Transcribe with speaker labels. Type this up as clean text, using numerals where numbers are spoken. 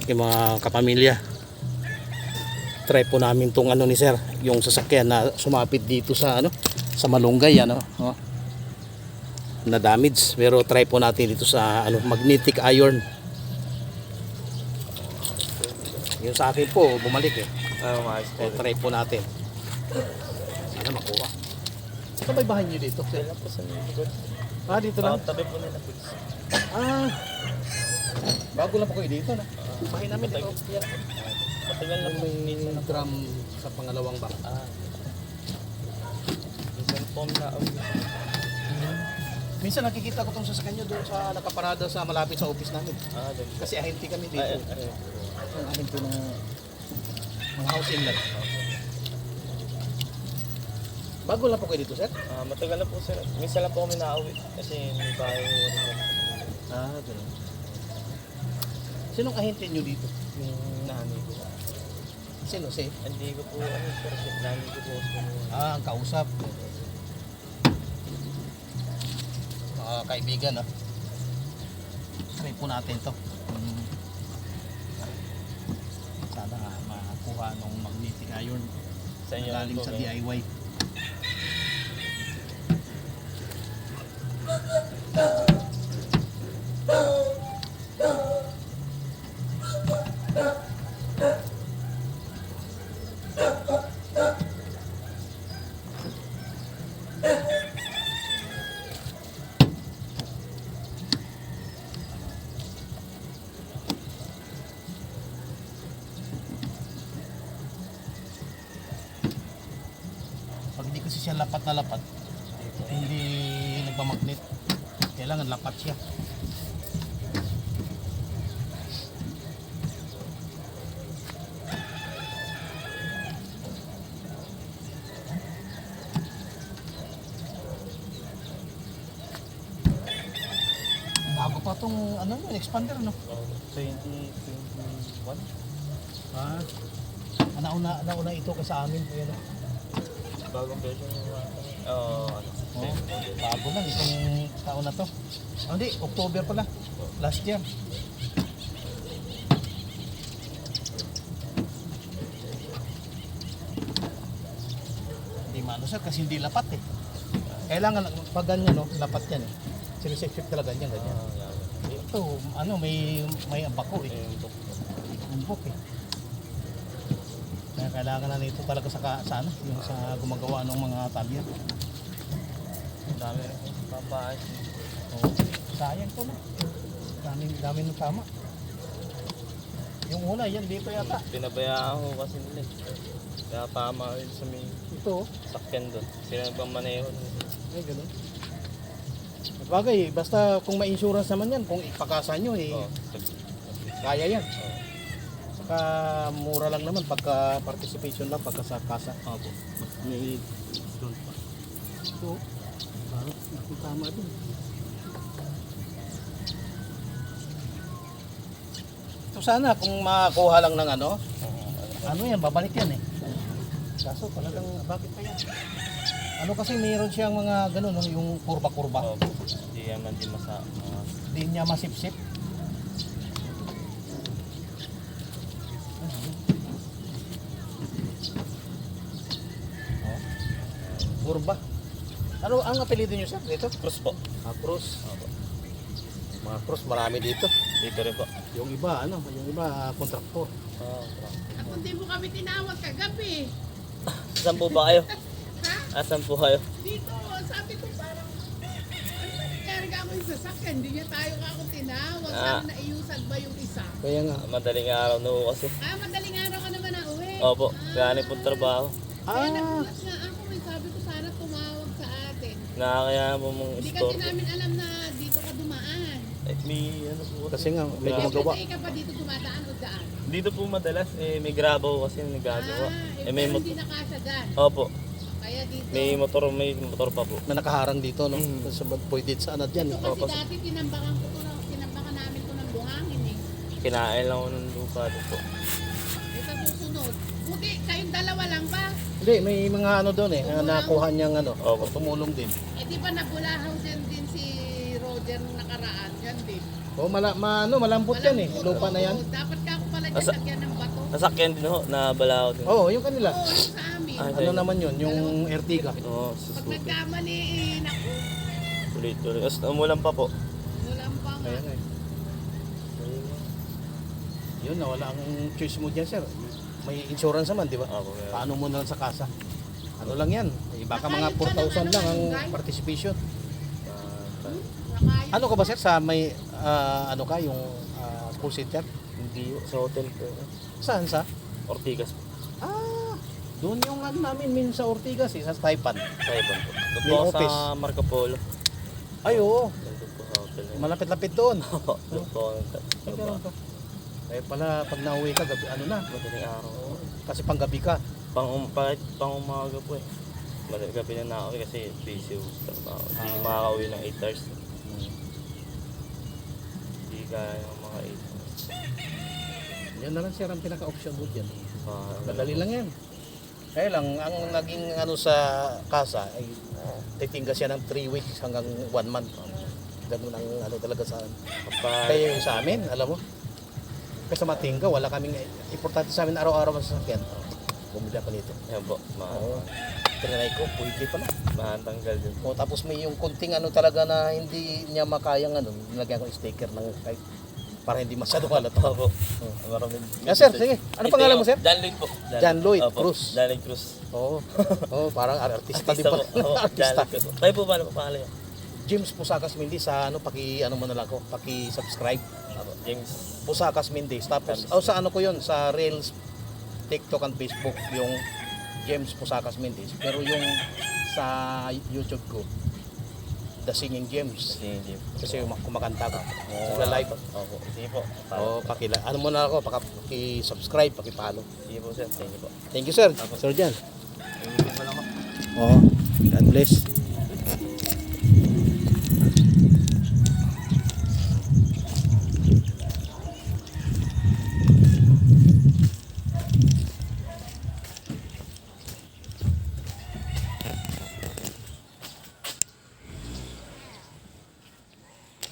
Speaker 1: aking mga kapamilya. Try po namin tong ano ni sir, yung sasakyan na sumapit dito sa ano, sa malunggay ano, oh, na damage. Pero try po natin dito sa ano, magnetic iron. Yung sa akin po bumalik eh. So, try po natin. Sana makuha. Saan ba bahay nyo dito? Sir?
Speaker 2: Kailan po sa likod?
Speaker 1: Dito lang.
Speaker 2: Tabi po nila.
Speaker 1: Bago lang po kayo dito na. Bahay namin dito.
Speaker 2: Matagal na po.
Speaker 1: May drum sa pangalawang back.
Speaker 2: Minsan po na.
Speaker 1: Minsan nakikita ko tong sasakyan nyo doon sa nakaparada sa malapit sa office namin.
Speaker 2: Doon.
Speaker 1: Kasi ahente kami dito. Ang ahente ng mga house inlet. Bago lang po kayo dito, sir?
Speaker 2: Matagal na po sir. Minsan lang po kami nauwi. Kasi may bahay ko rin lang.
Speaker 1: Ganun. Sinong ahente nyo dito?
Speaker 2: Yung nanay ko.
Speaker 1: Sino? Si?
Speaker 2: Hindi ko po sir. Nanay ko po.
Speaker 1: Ang kausap. Mga kaibigan, try po natin to. Sana makakuha ng magnetic iron
Speaker 2: Sa inyo
Speaker 1: galing
Speaker 2: po,
Speaker 1: sa
Speaker 2: kayo.
Speaker 1: DIY. Pag hindi kasi siya lapat na lapat, hindi nagmamagnet. Kailangan lapat siya. Bago pa tong ano yun, expander no?
Speaker 2: 2021.
Speaker 1: Nauna ito kasi sa amin. Ayan,
Speaker 2: Bagong version yung
Speaker 1: bago lang itong taon na to. Hindi, October pala. Last year. Hindi mano sir kasi hindi lapat eh. Kailangan pag ganyan no, lapat yan eh. Sinisip talaga ganyan. Ito, ano, may abako eh. Umbok eh. Kaya kailangan na nito talaga sa ano, yung sa gumagawa ng mga talya.
Speaker 2: Dami papaayos.
Speaker 1: Oh, sayang to na. Dami ng tama. Yung una, yan dito yata.
Speaker 2: Pinabayaan ko kasi nila. Kaya tama rin sa may
Speaker 1: Ito,
Speaker 2: sakyan doon. Sila nang maneho.
Speaker 1: ay ganun. Bagay, basta kung may insurance naman yan, kung ipakasa nyo eh, kaya yan. Saka mura lang naman pagka participation lang, pagka sa kasa. May doon pa. So, parang nakitama din. So sana kung makakuha lang ng ano yan, babalik yan eh. Kaso talagang bakit pa yan? Ano kasi mayroon siyang mga ganun, no? Yung kurba-kurba.
Speaker 2: Hindi naman din
Speaker 1: Hindi niya masipsip. Kurba. Ano ang apelido niyo sir dito?
Speaker 2: Cross po.
Speaker 1: Cross. Mga cross marami dito.
Speaker 2: Dito rin po.
Speaker 1: Yung iba yung iba kontraktor.
Speaker 3: Ako hindi mo kami tinawag kagabi.
Speaker 2: Saan po ba kayo?
Speaker 3: Ha?
Speaker 2: Asan po kayo?
Speaker 3: Dito, sabi ko parang, karga ako yung sasakyan, hindi niya tayo ako tinawag. Sabi na iusad ba yung isa?
Speaker 1: Kaya nga.
Speaker 2: Madaling araw na po kasi.
Speaker 3: Madaling araw ka naman na uwi.
Speaker 2: Opo, galing po trabaho.
Speaker 3: Kaya nagulat nga ako, sabi ko sana tumawag sa atin.
Speaker 2: Nakakaya po mong
Speaker 3: Hindi
Speaker 2: store.
Speaker 3: kasi namin alam na dito ka dumaan.
Speaker 2: May ano po
Speaker 1: Kasi nga may
Speaker 2: Grabe.
Speaker 1: gumagawa.
Speaker 3: Everyday ka pa dito dumadaan o daan?
Speaker 2: Dito po madalas may grabo kasi nagagawa. May
Speaker 3: pero
Speaker 2: motor.
Speaker 3: hindi nakasya dyan.
Speaker 2: Opo,
Speaker 3: Kaya dito.
Speaker 2: may motor pa po.
Speaker 1: Na nakaharang dito no. Sa pwede sa ano diyan.
Speaker 3: Kasi
Speaker 2: Opo.
Speaker 3: dati tinambakan namin ko ng buhangin eh.
Speaker 2: Kinain lang ako ng lupa doon po.
Speaker 3: Sa susunod. Buti, kayong dalawa lang ba?
Speaker 1: Hindi, may mga ano doon eh, na nakuha niyang
Speaker 2: Opo.
Speaker 1: tumulong din.
Speaker 3: Eh di ba nabulahaw din si Roger nung nakaraan? Yan din.
Speaker 1: Malambot yan eh, lupa na yan.
Speaker 3: Dapat ka ako sasakyan ng bato.
Speaker 2: Nasakyan din ho, nabala ako din.
Speaker 1: Oo, yung kanila.
Speaker 3: Oo, yung sa amin.
Speaker 2: Ay,
Speaker 1: Ano naman yun, yung Ertiga.
Speaker 2: Oo,
Speaker 3: Pag
Speaker 2: susuko.
Speaker 3: nagkamali, naku,
Speaker 2: Tuloy-tuloy. Tapos umulan pa po.
Speaker 3: walang pa nga.
Speaker 1: Ayan eh. Yun, nawala ang choice mo dyan, sir. May insurance naman, di ba?
Speaker 2: Ako, kaya.
Speaker 1: Paano mo na lang sa kasa? Ano lang yan? Baka mga 4,000 lang ang participation.
Speaker 3: Nakayos.
Speaker 1: Ano ka ba, sir? Sa may, ano ka, yung call center?
Speaker 2: Hindi, sa hotel po.
Speaker 1: Saan sa?
Speaker 2: Ortigas po.
Speaker 1: Ah, doon yung ano namin, sa Ortigas, sa Taipan.
Speaker 2: Taiwan po. Doon
Speaker 1: May
Speaker 2: po ako
Speaker 1: office.
Speaker 2: sa Marco Polo.
Speaker 1: Ay, oo.
Speaker 2: Doon po sa hotel.
Speaker 1: Malapit-lapit doon.
Speaker 2: Doon po ako
Speaker 1: Ay,
Speaker 2: nagtatrabaho.
Speaker 1: ganun ka. Kaya pala, pag nauwi ka, gabi, ano na?
Speaker 2: Madaling araw.
Speaker 1: Kasi panggabi ka.
Speaker 2: Pang umaga po eh. Gabi na nakauwi kasi busy yung trabaho. Hindi makakauwi ng 8 hours. Hindi kaya ng mga 8 hours.
Speaker 1: Yan na lang, sir, ang pinaka-option mo dyan.
Speaker 2: Ah,
Speaker 1: Madali lang yan. Kaya lang, ang naging ano sa kasa ay titingga siya ng 3 weeks hanggang 1 month. Ganun ang ano talaga sa
Speaker 2: kapag
Speaker 1: kaya yung sa amin, alam mo. Kasi sa matingga, wala kaming importante sa amin araw-araw ang sasakyan. Bumili ako nito.
Speaker 2: yan po,
Speaker 1: Oo. Trinay ko, pwede pala.
Speaker 2: mahantanggal din.
Speaker 1: O, tapos may yung kunting ano talaga na hindi niya makayang ano, nilagyan ko yung sticker ng kahit para hindi masyado halata.
Speaker 2: Opo. Maraming.
Speaker 1: Sir, sige. Ano pangalan mo, sir?
Speaker 2: John Lloyd po.
Speaker 1: John Lloyd
Speaker 2: Opo,
Speaker 1: Cruz.
Speaker 2: John Lloyd Cruz.
Speaker 1: Oo. Oo, parang artista din
Speaker 2: Artista
Speaker 1: pa.
Speaker 2: po. Oo, John
Speaker 1: Artista.
Speaker 2: Lloyd Cruz. Tayo po ba ano pangalan niya?
Speaker 1: James Pusakas Mendes sa ano ano mo na lang ko, paki-subscribe.
Speaker 2: Opo, James.
Speaker 1: Pusakas Mendes. Tapos
Speaker 2: James.
Speaker 1: sa ano ko 'yon sa Reels, TikTok and Facebook yung James Pusakas Mendes. Pero yung sa YouTube ko The Singing James.
Speaker 2: Si James.
Speaker 1: Kasi kumakanta ka.
Speaker 2: Oo.
Speaker 1: Sa live.
Speaker 2: Opo. Sige po.
Speaker 1: Oh, ano mo na ako, paki-subscribe, paki-follow.
Speaker 2: Sige po sir. Thank you po.
Speaker 1: Thank you, sir. Sir Jan.
Speaker 2: Thank you po lang po.
Speaker 1: Oh, God bless.